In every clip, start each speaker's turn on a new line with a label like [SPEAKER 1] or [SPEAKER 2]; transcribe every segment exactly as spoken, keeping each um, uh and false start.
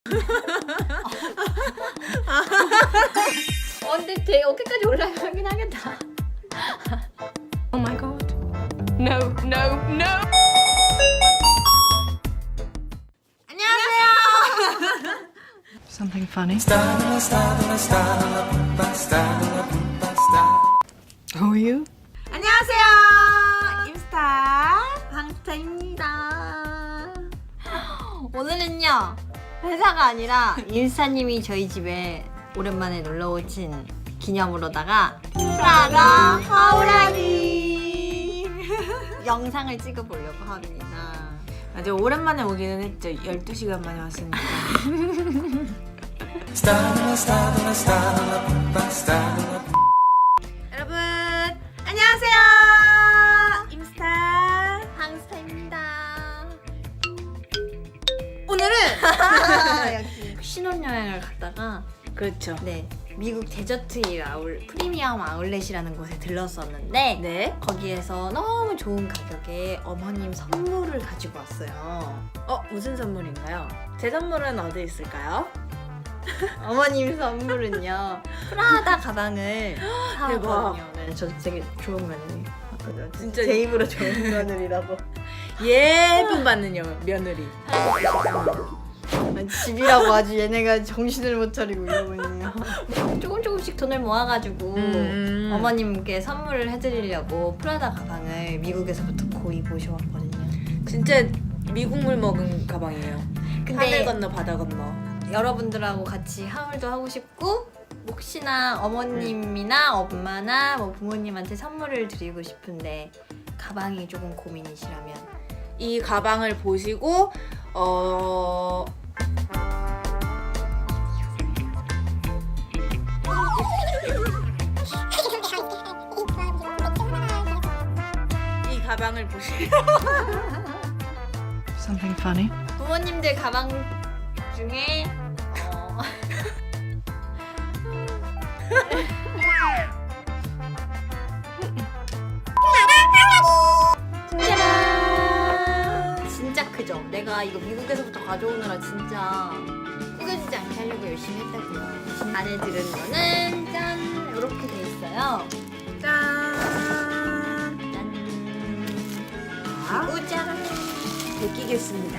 [SPEAKER 1] 어, 근데 되게 어깨까지 올라가긴 하겠다.
[SPEAKER 2] Oh my god. No, no, no. Something funny. Who are you?
[SPEAKER 1] 안녕하세요. 임스타 방스타입니다. 오늘은요 회사가 아니라 임스타님이 저희 집에 오랜만에 놀러 오신 기념으로다가 프라다 하우라기 영상을 찍어보려고 합니다.
[SPEAKER 3] 아주 오랜만에 오기는 했죠. 열두 시간 만에 왔으니까.
[SPEAKER 1] 여러분 안녕하세요. 임스타 방스타입니다. 오늘은 역시 신혼여행을 갔다가
[SPEAKER 3] 그렇죠.
[SPEAKER 1] 네 미국 데저트 아울 프리미엄 아울렛이라는 곳에 들렀었는데
[SPEAKER 3] 네.
[SPEAKER 1] 거기에서 너무 좋은 가격에 어머님 선물을 가지고 왔어요.
[SPEAKER 3] 어, 무슨 선물인가요? 제 선물은 어디 있을까요?
[SPEAKER 1] 어머님 선물은요 프라다 가방을 사왔거든요.
[SPEAKER 3] 대박.
[SPEAKER 1] 네, 저 되게 좋은 며느리.
[SPEAKER 3] 진짜
[SPEAKER 1] 제 입으로 좋은 며느리라고.
[SPEAKER 3] 예쁨 받는 여, 며느리.
[SPEAKER 1] 집이라고 아주 얘네가 정신을 못 차리고 이러고 있네요. 조금 조금씩 돈을 모아가지고
[SPEAKER 3] 음.
[SPEAKER 1] 어머님께 선물을 해드리려고 프라다 가방을 미국에서부터 고이 모셔왔거든요.
[SPEAKER 3] 진짜 미국물 먹은 가방이에요.
[SPEAKER 1] 근데
[SPEAKER 3] 하늘 건너 바다 건너.
[SPEAKER 1] 여러분들하고 같이 하울도 하고 싶고 혹시나 어머님이나 엄마나 뭐 부모님한테 선물을 드리고 싶은데 가방이 조금 고민이시라면
[SPEAKER 3] 이 가방을 보시고 어 이 가방을 보시고
[SPEAKER 2] Something funny.
[SPEAKER 1] 부모님들 가방 중에 어... 짜란! 진짜 크죠? 내가 이거 미국에서부터 가져오느라 진짜 구겨지지 않게 하려고 열심히 했다고요. 안에 들은 거는 짠! 이렇게 돼 있어요.
[SPEAKER 3] 짠.
[SPEAKER 1] 짠!
[SPEAKER 3] 자,
[SPEAKER 1] 그리고 짜란!
[SPEAKER 3] 벗기겠습니다.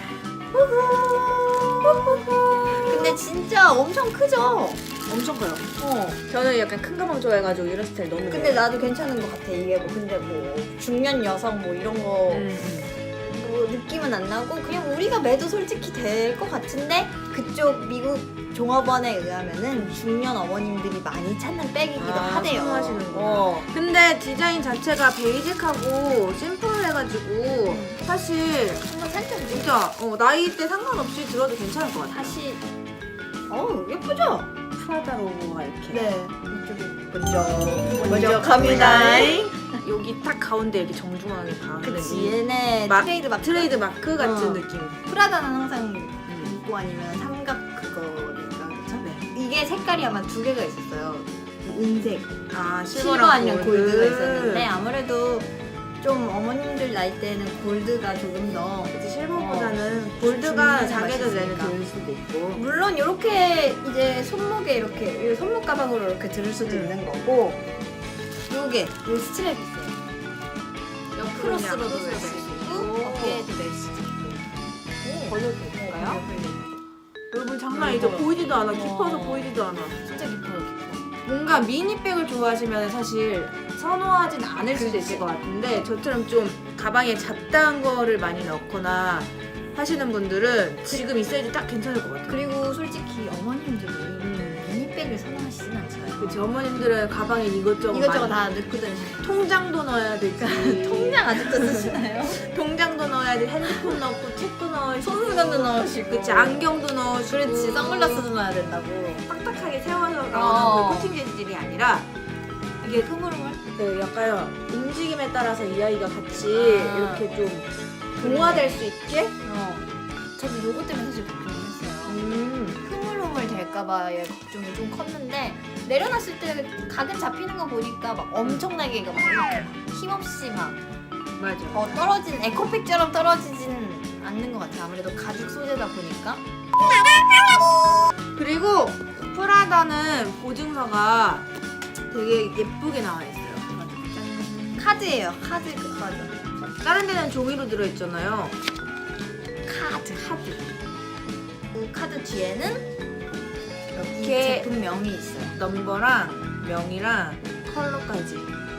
[SPEAKER 1] 근데 진짜 엄청 크죠?
[SPEAKER 3] 엄청 커요.
[SPEAKER 1] 어.
[SPEAKER 3] 저는 약간 큰 가방 좋아해가지고 이런 스타일 너무 좋아해요.
[SPEAKER 1] 근데 나도 괜찮은 것 같아. 이게 뭐 근데 뭐 중년 여성 뭐 이런 거
[SPEAKER 3] 음, 음.
[SPEAKER 1] 뭐 느낌은 안 나고 그냥 우리가 매도 솔직히 될 것 같은데 그쪽 미국 종업원에 의하면은 중년 어머님들이 많이 찾는 백이기도
[SPEAKER 3] 아,
[SPEAKER 1] 하대요.
[SPEAKER 3] 선호하시는구나.
[SPEAKER 1] 어.
[SPEAKER 3] 근데 디자인 자체가 베이직하고 심플해가지고 사실
[SPEAKER 1] 한번 살짝 진짜
[SPEAKER 3] 진짜 어, 나이대 상관없이 들어도 괜찮을 것 같아요.
[SPEAKER 1] 다시 어 예쁘죠?
[SPEAKER 3] 프라다 로고가 이렇게.
[SPEAKER 1] 네 이쪽에 먼저
[SPEAKER 3] 먼저 갑니다. 여기 딱 가운데 이렇게 정중하게 박는
[SPEAKER 1] 그치
[SPEAKER 3] 이
[SPEAKER 1] 얘네
[SPEAKER 3] 마-
[SPEAKER 1] 트레이드 마크
[SPEAKER 3] 트레이드 마크 같은
[SPEAKER 1] 어.
[SPEAKER 3] 느낌.
[SPEAKER 1] 프라다는 항상 있고 아니면 삼각 그거니까 그쵸?
[SPEAKER 3] 네.
[SPEAKER 1] 이게 색깔이 아마 두 개가 있었어요. 은색,
[SPEAKER 3] 아
[SPEAKER 1] 실버 아니면 골드가 있었는데 아무래도 좀 어머님들 나이 때는 골드가 조금 더
[SPEAKER 3] 이제 실버보다는
[SPEAKER 1] 어,
[SPEAKER 3] 골드가
[SPEAKER 1] 중간에
[SPEAKER 3] 자기도 내는
[SPEAKER 1] 맛있으니까.
[SPEAKER 3] 될 수도 있고.
[SPEAKER 1] 물론 이렇게 이제 손목에 이렇게 이 손목 가방으로 이렇게 들을 수도
[SPEAKER 3] 음.
[SPEAKER 1] 있는 거고 요게 요 스트랩 있어요. 크로스로도
[SPEAKER 3] 그냥
[SPEAKER 1] 멜 수 있고 어깨에도 멜 수도 있고
[SPEAKER 3] 걸려도 될까요?
[SPEAKER 1] 네.
[SPEAKER 3] 여러분 장난 아니죠? 보이지도 않아. 깊어서 보이지도 않아.
[SPEAKER 1] 진짜 깊어요 깊어.
[SPEAKER 3] 뭔가 미니백을 좋아하시면 사실 선호하진 않을 수도
[SPEAKER 1] 그치.
[SPEAKER 3] 있을 것 같은데 저처럼 좀 가방에 잡다한 거를 많이 넣거나 하시는 분들은 지금 이 사이즈 딱 괜찮을 것 같아요.
[SPEAKER 1] 그리고 솔직히 어머님들이 미니백을 선호하시진 않잖아요.
[SPEAKER 3] 그치, 어머님들은 가방에 이것저것,
[SPEAKER 1] 이것저것
[SPEAKER 3] 많이
[SPEAKER 1] 다 넣고 다니시고
[SPEAKER 3] 통장도 넣어야 되지.
[SPEAKER 1] 통장 아직도 쓰시나요?
[SPEAKER 3] 통장도 넣어야 돼. 핸드폰 넣고 책도 넣으시고
[SPEAKER 1] 손수건도 넣으시고
[SPEAKER 3] 그치, 안경도 넣으시고
[SPEAKER 1] 그렇지 선글라스도 넣어야 된다고.
[SPEAKER 3] 빡빡하게 세워서 나오는
[SPEAKER 1] 어.
[SPEAKER 3] 그 코팅 재질이 아니라 이게
[SPEAKER 1] 흐물흐물?
[SPEAKER 3] 그 약간 움직임에 따라서 이 아이가 같이
[SPEAKER 1] 아.
[SPEAKER 3] 이렇게 좀 동화될 수 있게.
[SPEAKER 1] 어. 저도 요거 때문에 사실 걱정했어요.
[SPEAKER 3] 음.
[SPEAKER 1] 흐물흐물 될까봐의 걱정이 좀 컸는데 내려놨을 때 각은 잡히는 거 보니까 막 엄청나게 막 이렇게 힘없이 막
[SPEAKER 3] 맞아.
[SPEAKER 1] 어, 떨어진 에코백처럼 떨어지지는 않는 것 같아요. 아무래도 가죽 소재다 보니까.
[SPEAKER 3] 프라다는 보증서가 되게 예쁘게 나와 있어요.
[SPEAKER 1] 짠. 카드예요. 카드 그 맞아.
[SPEAKER 3] 다른 데는 종이로 들어있잖아요.
[SPEAKER 1] 카드.
[SPEAKER 3] 카드.
[SPEAKER 1] 그 카드 뒤에는 여기
[SPEAKER 3] 이렇게
[SPEAKER 1] 제품명이 있어요.
[SPEAKER 3] 넘버랑 명이랑 컬러까지.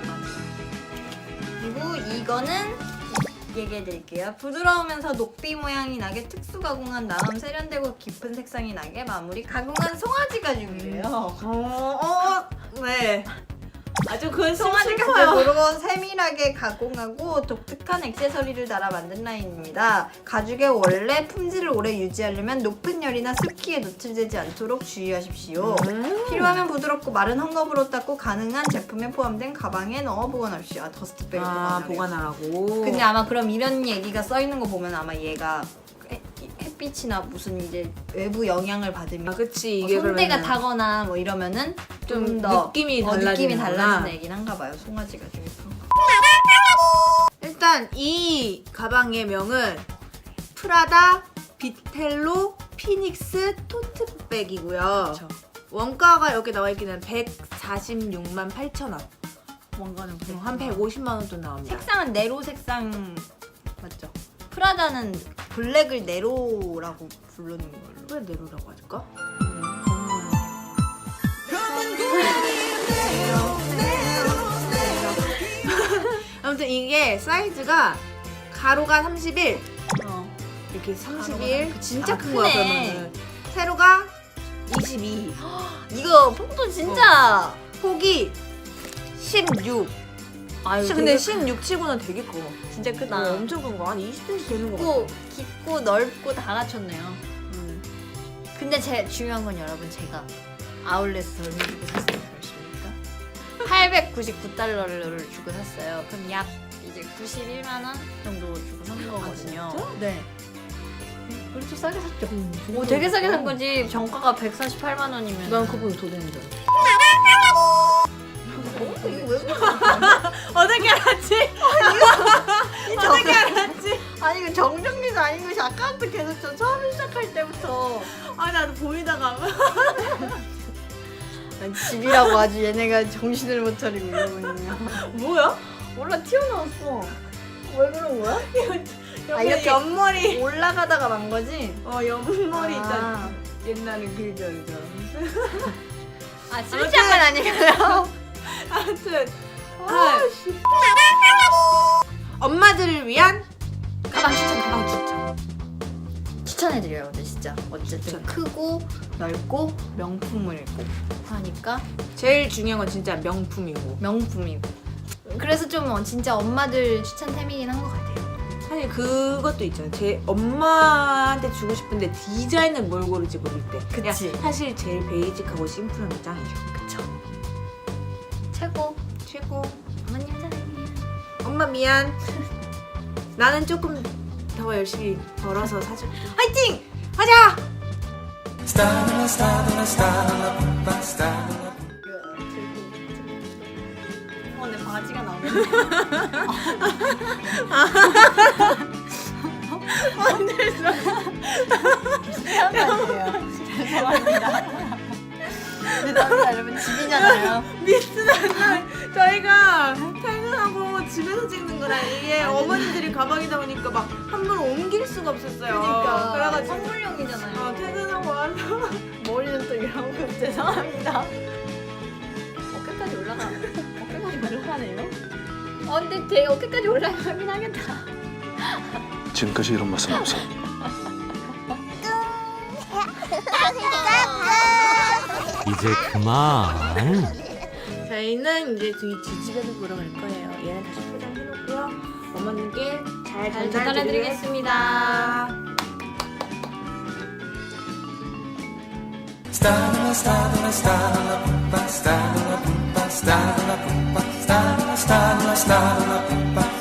[SPEAKER 1] 그리고 이거는 얘기해 드릴게요. 부드러우면서 녹비 모양이 나게 특수 가공한 다음 세련되고 깊은 색상이 나게 마무리 가공한 송아지 가죽이에요.
[SPEAKER 3] 어, 어, 네. 아주 그건
[SPEAKER 1] 송아지
[SPEAKER 3] 슬퍼요.
[SPEAKER 1] 가죽으로 세밀하게 가공하고 독특한 액세서리를 달아 만든 라인입니다. 가죽의 원래 품질을 오래 유지하려면 높은 열이나 습기에 노출되지 않도록 주의하십시오.
[SPEAKER 3] 음.
[SPEAKER 1] 필요하면 부드럽고 마른 헝겊으로 닦고 가능한 제품에 포함된 가방에 넣어 보관하십시오. 아, 더스트백을
[SPEAKER 3] 아,
[SPEAKER 1] 보관하래요.
[SPEAKER 3] 보관하라고.
[SPEAKER 1] 근데 아마 그럼 이런 얘기가 써 있는 거 보면 아마 얘가 해- 햇빛이나 무슨 이제 외부 영향을 받으면
[SPEAKER 3] 아, 그치.
[SPEAKER 1] 뭐
[SPEAKER 3] 이게
[SPEAKER 1] 손때가
[SPEAKER 3] 그러면은
[SPEAKER 1] 타거나 뭐 이러면은
[SPEAKER 3] 좀
[SPEAKER 1] 좀 더
[SPEAKER 3] 느낌이
[SPEAKER 1] 어, 느낌이
[SPEAKER 3] 달라지는구나.
[SPEAKER 1] 달라지는 얘긴 한가 봐요. 송아지가 좀 예쁜 거.
[SPEAKER 3] 일단 이 가방의 명은 프라다 비텔로 피닉스 토트백이고요.
[SPEAKER 1] 그렇죠.
[SPEAKER 3] 원가가 여기 나와 있기는 백사십육만 팔천 원.
[SPEAKER 1] 뭔가는
[SPEAKER 3] 음, 한 백오십만 원 돈 나옵니다.
[SPEAKER 1] 색상은 네로 색상 맞죠? 프라다는 블랙을 네로라고 부르는 걸로.
[SPEAKER 3] 왜 네로라고 하실까? 아무튼 이게 사이즈가 가로가 삼십일,
[SPEAKER 1] 어.
[SPEAKER 3] 이렇게 삼십일.
[SPEAKER 1] 가로가
[SPEAKER 3] 진짜
[SPEAKER 1] 아,
[SPEAKER 3] 큰 거야
[SPEAKER 1] 크네.
[SPEAKER 3] 그러면은. 세로가 이십이,
[SPEAKER 1] 이거 폰도 진짜.
[SPEAKER 3] 폭이 십육.
[SPEAKER 1] 아유,
[SPEAKER 3] 근데
[SPEAKER 1] 되게
[SPEAKER 3] 십육 치고는 되게 커.
[SPEAKER 1] 진짜 크다.
[SPEAKER 3] 어, 엄청 큰 거. 한 이십 센티미터 되는 거
[SPEAKER 1] 깊고
[SPEAKER 3] 같아.
[SPEAKER 1] 깊고 넓고 다 갖췄네요.
[SPEAKER 3] 음.
[SPEAKER 1] 근데 제 중요한 건 여러분 제가 아울렛에서 얼마 주고 샀어요? 그러십니까? 팔백구십구 달러를 주고 샀어요. 그럼 약 이제 구십일만 원 정도 주고 산 거거든요.
[SPEAKER 3] 진짜?
[SPEAKER 1] 네. 그래도 싸게 샀죠.
[SPEAKER 3] 음,
[SPEAKER 1] 오, 되게 싸게 산 거지. 정가가 백사십팔만 원이면.
[SPEAKER 3] 난 그분 더 되는 줄 알았어.
[SPEAKER 1] 어, 이거 왜 그래?
[SPEAKER 3] 어떻게 알았지? 어떻게 알았지?
[SPEAKER 1] 아니 이거 정정리도 아닌 것이 아까부터 계속 저 처음 시작할 때부터
[SPEAKER 3] 아 나도 보이다가
[SPEAKER 1] 난 집이라고 아주 얘네가 정신을 못 차리고 이러고 있네요.
[SPEAKER 3] 뭐야?
[SPEAKER 1] 몰라 튀어나왔어. 왜 그런 거야?
[SPEAKER 3] 아,
[SPEAKER 1] 이렇게
[SPEAKER 3] 옆머리.
[SPEAKER 1] 올라가다가 만 거지?
[SPEAKER 3] 어 옆머리
[SPEAKER 1] 아.
[SPEAKER 3] 있잖아. 옛날에 그죠 그죠.
[SPEAKER 1] 아 실시한 건 아니고요.
[SPEAKER 3] 아무튼 아, 엄마들을 위한
[SPEAKER 1] 가방 추천 가방
[SPEAKER 3] 추천.
[SPEAKER 1] 추천해드려요. 근데 진짜 어쨌든
[SPEAKER 3] 추천.
[SPEAKER 1] 크고 넓고 명품을 꼭 하니까
[SPEAKER 3] 제일 중요한 건 진짜 명품이고.
[SPEAKER 1] 명품이고 그래서 좀 어, 진짜 엄마들 추천템이긴 한 것 같아요.
[SPEAKER 3] 사실 그것도 있잖아. 제 엄마한테 주고 싶은데 디자인을 뭘 고를지 모를 때.
[SPEAKER 1] 그치.
[SPEAKER 3] 그냥 사실 제일 베이직하고 심플한 게 짱이죠.
[SPEAKER 1] 그쵸? 최고.
[SPEAKER 3] 최고.
[SPEAKER 1] 어머님 사랑해요.
[SPEAKER 3] 엄마 미안. 나는 조금 더 열심히 벌어서 사줄게.
[SPEAKER 1] 화이팅!
[SPEAKER 3] 하자.
[SPEAKER 1] 어, 내 바지가 나오네. 죄송해요. 죄송합니다. 죄송합니다. 여러분 집이잖아요.
[SPEAKER 3] 미스는 날 저희가 퇴근하고 집에서 찍는 거라 이게 어머니들이 가방이다 보니까 막 함부로 옮길 수가 없었어요.
[SPEAKER 1] 그러니까
[SPEAKER 3] 그래가지고
[SPEAKER 1] 선물용이잖아요.
[SPEAKER 3] 어, 퇴근하고 와서
[SPEAKER 1] 머리는 또 이러고 죄송합니다. 어깨까지 올라가. 어깨까지 올라가네요. 어 근데 되게 어깨까지 올라가긴 하겠다.
[SPEAKER 4] 지금까지 이런 맛은 없어.
[SPEAKER 5] 이제 그만.
[SPEAKER 3] 저희는 이제 저희 집에서 보러 갈 거예요. 얘는 다시 포장해놓고요. 어머님께 잘
[SPEAKER 1] 잘
[SPEAKER 3] 전달해드리겠습니다.
[SPEAKER 4] 스타일라 스타일라 스타일라 스타일라 스타일라 스타일라 스타일라 스타일라